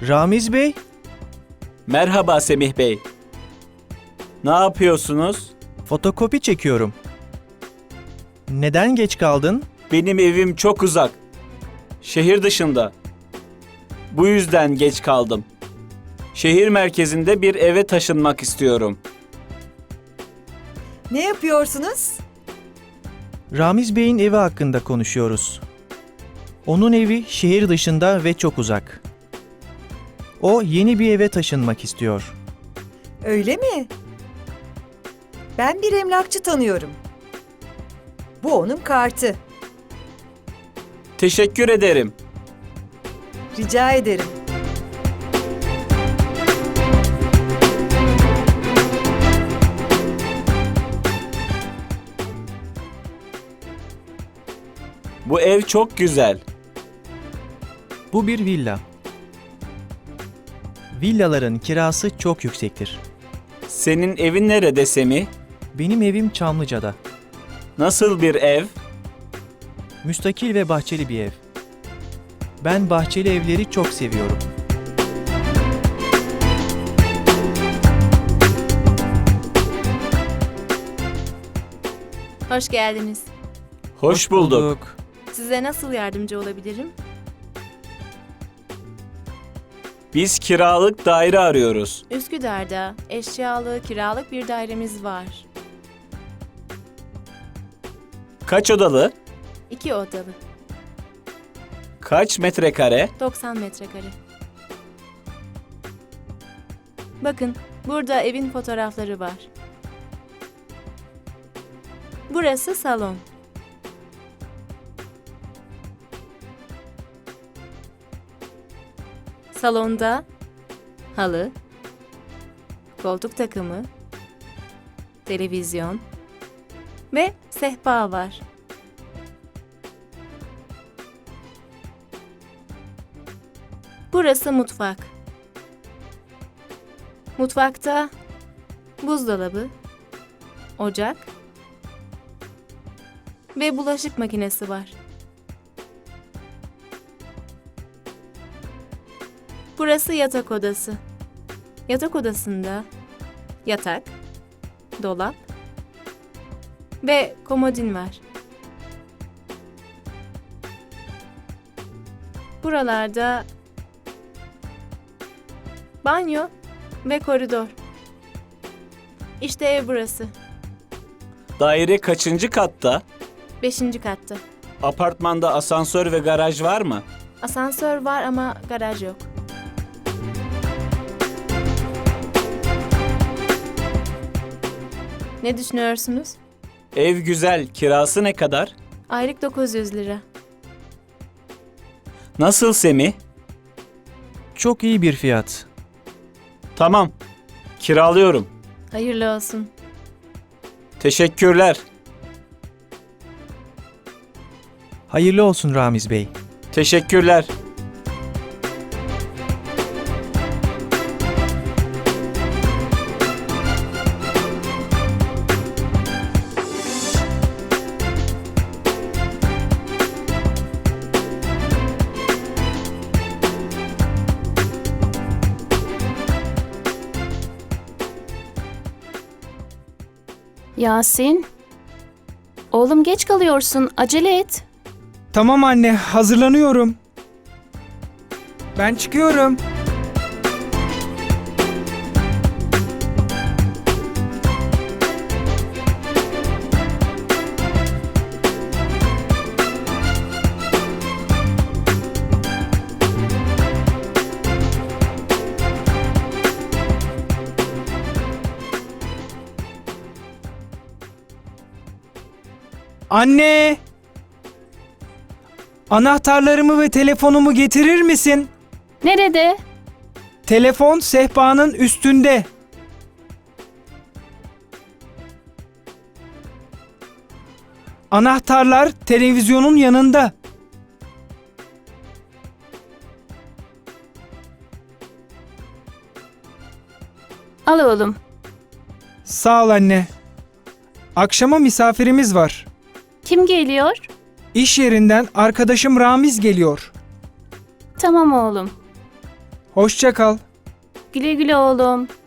Ramiz Bey, Merhaba Semih Bey. Ne yapıyorsunuz? fotokopi çekiyorum. Neden geç kaldın? Benim evim çok uzak. Şehir dışında. Bu yüzden geç kaldım. Şehir merkezinde bir eve taşınmak istiyorum. Ne yapıyorsunuz? Ramiz Bey'in evi hakkında konuşuyoruz. Onun evi şehir dışında ve çok uzak. O yeni bir eve taşınmak istiyor. Öyle mi? Ben bir emlakçı tanıyorum. Bu onun kartı. Teşekkür ederim. Rica ederim. Bu ev çok güzel. Bu bir villa. Villaların kirası çok yüksektir. Senin evin nerede Semih? Benim evim Çamlıca'da. Nasıl bir ev? Müstakil ve bahçeli bir ev. Ben bahçeli evleri çok seviyorum. Hoş geldiniz. Hoş bulduk. Size nasıl yardımcı olabilirim? Biz kiralık daire arıyoruz. Üsküdar'da eşyalı, kiralık bir dairemiz var. Kaç odalı? 2 odalı, Kaç metrekare? 90 metrekare. Bakın, burada evin fotoğrafları var. Burası salon. Salonda halı, koltuk takımı, televizyon ve sehpa var. Burası mutfak. Mutfakta buzdolabı, ocak ve bulaşık makinesi var. Burası yatak odası. Yatak odasında yatak, dolap ve komodin var. Buralarda banyo ve koridor. İşte ev burası. Daire kaçıncı katta? 5. katta. Apartmanda asansör ve garaj var mı? Asansör var ama garaj yok. Ne düşünüyorsunuz? Ev güzel. Kirası ne kadar? Aylık 900 lira. Nasıl Semih? Çok iyi bir fiyat. Tamam. Kiralıyorum. Hayırlı olsun. Teşekkürler. Hayırlı olsun Ramiz Bey. Teşekkürler. Yasin, oğlum geç kalıyorsun, acele et. Tamam anne, hazırlanıyorum. Ben çıkıyorum. Anne! Anahtarlarımı ve telefonumu getirir misin? Nerede? Telefon sehpanın üstünde. Anahtarlar televizyonun yanında. Al oğlum. Sağ ol anne. Akşama misafirimiz var. Kim geliyor? İş yerinden arkadaşım Ramiz geliyor. Tamam oğlum. Hoşça kal. Güle güle oğlum.